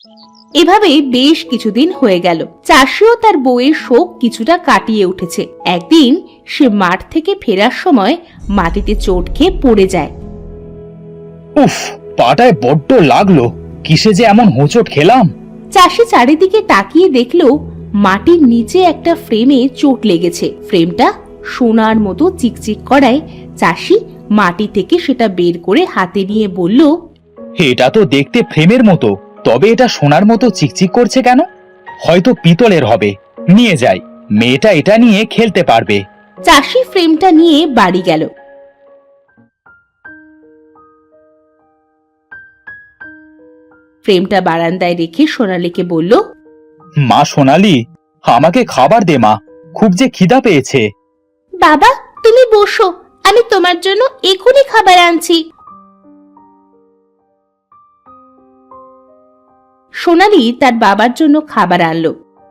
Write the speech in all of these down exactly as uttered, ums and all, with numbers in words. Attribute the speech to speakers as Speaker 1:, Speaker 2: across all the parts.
Speaker 1: এভাবে বেশ কিছুদিন হয়ে গেল। চাষিও তার বউয়ের শোক কিছুটা কাটিয়ে উঠেছে। একদিন সে মাঠ থেকে ফেরার সময় মাটিতে চোট খেয়ে পড়ে যায়।
Speaker 2: উফ, পাটায় বড্ড লাগলো। কিসে যে এমন হোঁচট খেলাম।
Speaker 1: চাষি চারিদিকে তাকিয়ে দেখলো মাটির নিচে একটা ফ্রেমে চোট লেগেছে। ফ্রেমটা সোনার মতো চিকচিক করায় চাষি মাটি থেকে সেটা বের করে হাতে নিয়ে বলল,
Speaker 2: এটা তো দেখতে ফ্রেমের মতো, তবে এটা সোনার মতো চিকচিক করছে কেন? হয়তো পিতলের হবে। নিয়ে যাই, মেয়েটা এটা নিয়ে খেলতে পারবে।
Speaker 1: চাষি ফ্রেমটা নিয়ে বাড়ি গেল। ফ্রেমটা বারান্দায় রেখে সোনালীকে বলল,
Speaker 2: মা সোনালি, আমাকে খাবার দে মা, খুব যে খিদা পেয়েছে।
Speaker 1: বাবা তুমি বসো, আমি তোমার জন্য এখনই খাবার আনছি। সোনালী তার বাবার জন্য খাবার আনলো।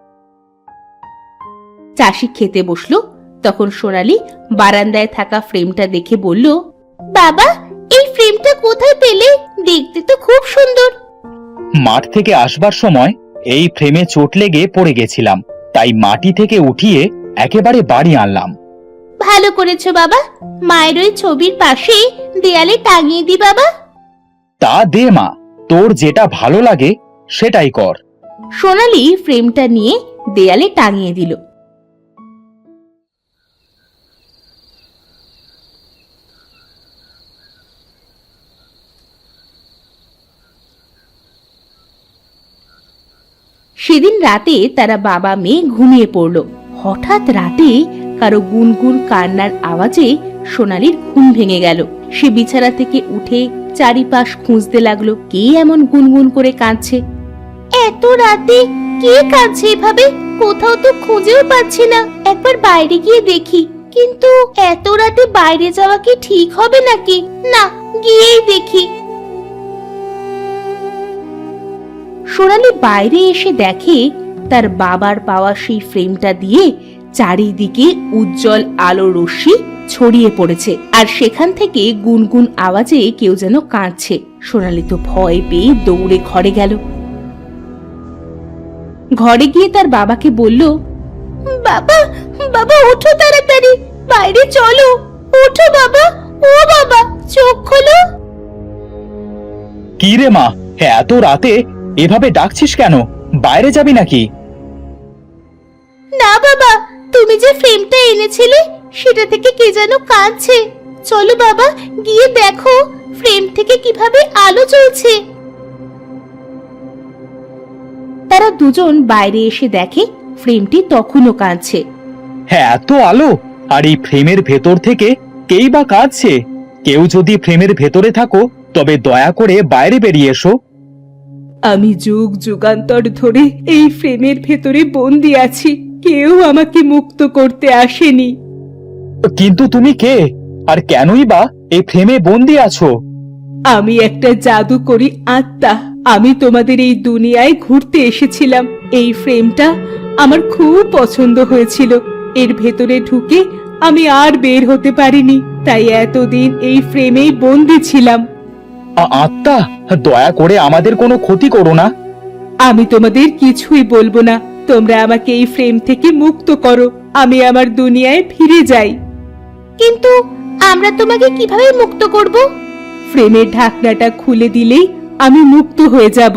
Speaker 1: চাষি খেতে বসলো। তখন সোনালী বারান্দায় থাকা ফ্রেমটা দেখে বলল, বাবা এই ফ্রেমটা কোথায় পেলে? দেখতে তো খুব সুন্দর।
Speaker 2: মাঠ থেকে আসবার সময় এই ফ্রেমে চোট লেগে পড়ে গেছিলাম, তাই মাটি থেকে উঠিয়ে একেবারে বাড়ি আনলাম।
Speaker 1: ভালো করেছো বাবা, মায়ের ওই ছবির পাশে দেয়ালে টাঙিয়ে দি বাবা।
Speaker 2: তা দে মা, তোর যেটা ভালো লাগে সেটাই কর।
Speaker 1: সোনালী ফ্রেমটা নিয়ে দেয়ালে টাঙিয়ে দিল। সেদিন রাতে তারা বাবা মেয়ে ঘুমিয়ে পড়ল। হঠাৎ রাতে কারো গুনগুন কান্নার আওয়াজে সোনালীর ঘুম ভেঙে গেল। সে বিছানা থেকে উঠে চারিপাশ খুঁজতে লাগলো, কে এমন গুনগুন করে কাঁদছে। এত রাতে কে কাঁদছে এভাবে? কোথাও তো খুঁজেও পাচ্ছি না। একবার বাইরে গিয়ে দেখি, কিন্তু এত রাতে বাইরে যাওয়া কি ঠিক হবে নাকি? না, গিয়েই দেখি। সোনালী বাইরে এসে দেখে তার বাবার পাওয়া সেই ফ্রেমটা দিয়ে চারিদিকে উজ্জ্বল আলো রশ্মি ছড়িয়ে পড়েছে, আর সেখান থেকে গুনগুন আওয়াজে কেউ যেন কাঁদছে। সোনালী তো ভয় পেয়ে দৌড়ে ঘরে গেল। ঘরে গিয়ে তার বাবাকে বলল, বাবা বাবা ওঠো তাড়াতাড়ি, বাইরে চলো, ওঠো বাবা, ও বাবা চোখ খোলো।
Speaker 2: কি রে মা, এত রাতে এভাবে ডাকছিস কেন? বাইরে যাবি নাকি?
Speaker 1: না বাবা, তুমি যে ফ্রেমটা এনেছিলে সেটা থেকে কে যেন কাঁদছে। চলো বাবা গিয়ে দেখো ফ্রেম থেকে কিভাবে আলো জ্বলছে। তারা দুজন বাইরে এসে দেখে ফ্রেমটি তখনও কাঁদছে।
Speaker 2: হ্যাঁ, এত আলো, আর এই ফ্রেমের ভেতর থেকে কেই বা কাঁদছে? কেউ যদি ফ্রেমের ভেতরে থাকো তবে দয়া করে বাইরে বেরিয়ে এসো।
Speaker 1: আমি যুগ যুগান্তর ধরে এই ফ্রেমের ভেতরে বন্দি আছি, কেউ আমাকে মুক্ত করতে আসেনি।
Speaker 2: কিন্তু তুমি কে, আর কেনই বা এই ফ্রেমে বন্দি আছো?
Speaker 1: আমি একটা জাদুকরী আত্মা। আমি তোমাদের এই দুনিয়ায় ঘুরতে এসেছিলাম। এই ফ্রেমটা আমার খুব পছন্দ হয়েছিল। এর ভেতরে ঢুকে আমি আর বের হতে পারিনি, তাই এতদিন এই ফ্রেমেই বন্দি ছিলাম।
Speaker 2: আ- আত্মা, দয়া করে আমাদের কোনো ক্ষতি করো না।
Speaker 1: আমি তোমাদের কিছুই বলবো না, তোমরা আমাকে এই ফ্রেম থেকে মুক্ত করো, আমি আমার দুনিয়ায় ফিরে যাই। কিন্তু আমরা তোমাকে কিভাবে মুক্ত করব? ফ্রেমের ঢাকনাটা খুলে দিলেই আমি মুক্ত হয়ে যাব।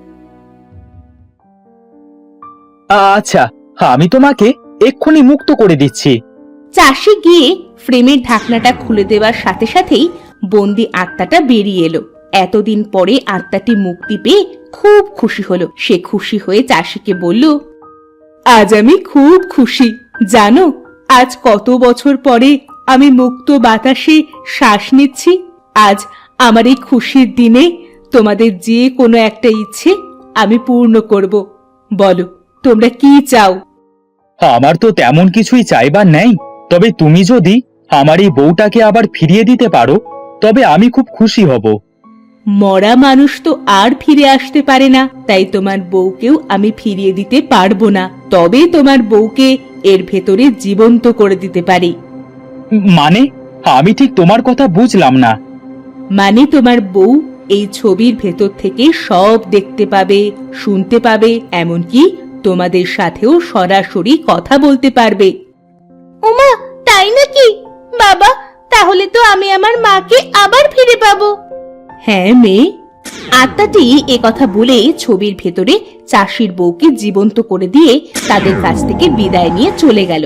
Speaker 2: আচ্ছা, আমি তোমাকে এক্ষুনি মুক্ত করে দিচ্ছি।
Speaker 1: চাষি গিয়ে ফ্রেমের ঢাকনাটা খুলে দেওয়ার সাথে সাথেই বন্দি আত্মাটা বেরিয়ে এলো। এতদিন পরে আত্মাটি মুক্তি পেয়ে খুব খুশি হলো। সে খুশি হয়ে চাষিকে বলল, আজ আমি খুব খুশি। জানো, আজ কত বছর পরে আমি মুক্ত বাতাসে শ্বাস নিচ্ছি। আজ আমার এই খুশির দিনে তোমাদের যে কোনো একটা ইচ্ছে আমি পূর্ণ করব। বলো তোমরা কি চাও?
Speaker 2: আমার তো তেমন কিছুই চাইবার নেই, তবে তুমি যদি আমার এই বউটাকে আবার ফিরিয়ে দিতে পারো তবে আমি খুব খুশি হব।
Speaker 1: মরা মানুষ তো আর ফিরে আসতে পারে না, তাই তোমার বউকেও আমি ফিরিয়ে দিতে পারবো না। তবে তোমার বউকে এর ভেতরে জীবন্ত করে দিতে পারি।
Speaker 2: মানে, আমি ঠিক তোমার কথা বুঝলাম না।
Speaker 1: মানে তোমার বউ এই ছবির ভেতর থেকে সব দেখতে পাবে, শুনতে পাবে, এমনকি তোমাদের সাথেও সরাসরি কথা বলতে পারবে। ওমা, তাই নাকি? বাবা, তাহলে তো আমি আমার মাকে আবার ফিরে পাবো। হ্যাঁ মেয়ে। আত্মাটি এ কথা বলে ছবির ভেতরে চাষির বউকে জীবন্ত করে দিয়ে তাদের কাছ থেকে বিদায় নিয়ে চলে গেল।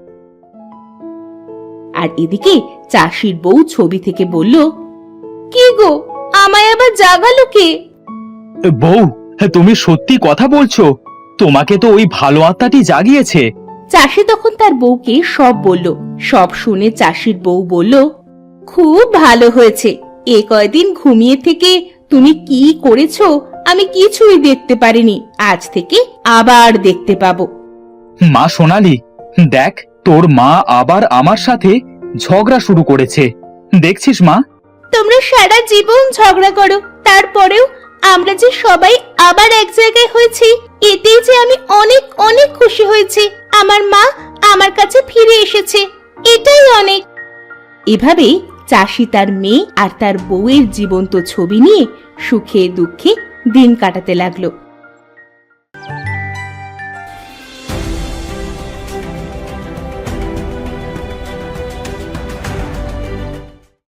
Speaker 1: আর এদিকে চাষির বউ ছবি থেকে বলল, কি গো, আমায় আবার জাগালো কে?
Speaker 2: বউ, তুমি সত্যি কথা বলছো? তোমাকে তো ওই ভালো আত্মাটি জাগিয়েছে।
Speaker 1: চাষি তখন তার বউকে সব বলল। সব শুনে চাষির বউ বলল, খুব ভালো হয়েছে। এ কয়দিন ঘুমিয়ে থেকে তুমি কি করেছো আমি কিছুই দেখতে পারিনি, আজ থেকে আবার দেখতে পাবো।
Speaker 2: মা সোনালি, দেখ তোর মা আবার আমার সাথে ঝগড়া শুরু করেছে, দেখছিস মা?
Speaker 1: তোমরা সারা জীবন ঝগড়া করো, তারপরেও আমরা যে সবাই আবার এক জায়গায় হয়েছি, এতেই যে আমি অনেক অনেক খুশি হয়েছি। আমার মা আমার কাছে ফিরে এসেছে, এটাই অনেক। এভাবে চাষি তার মেয়ে আর তার বউয়ের জীবন্ত ছবি নিয়ে সুখে দুঃখে দিন কাটাতে লাগলো।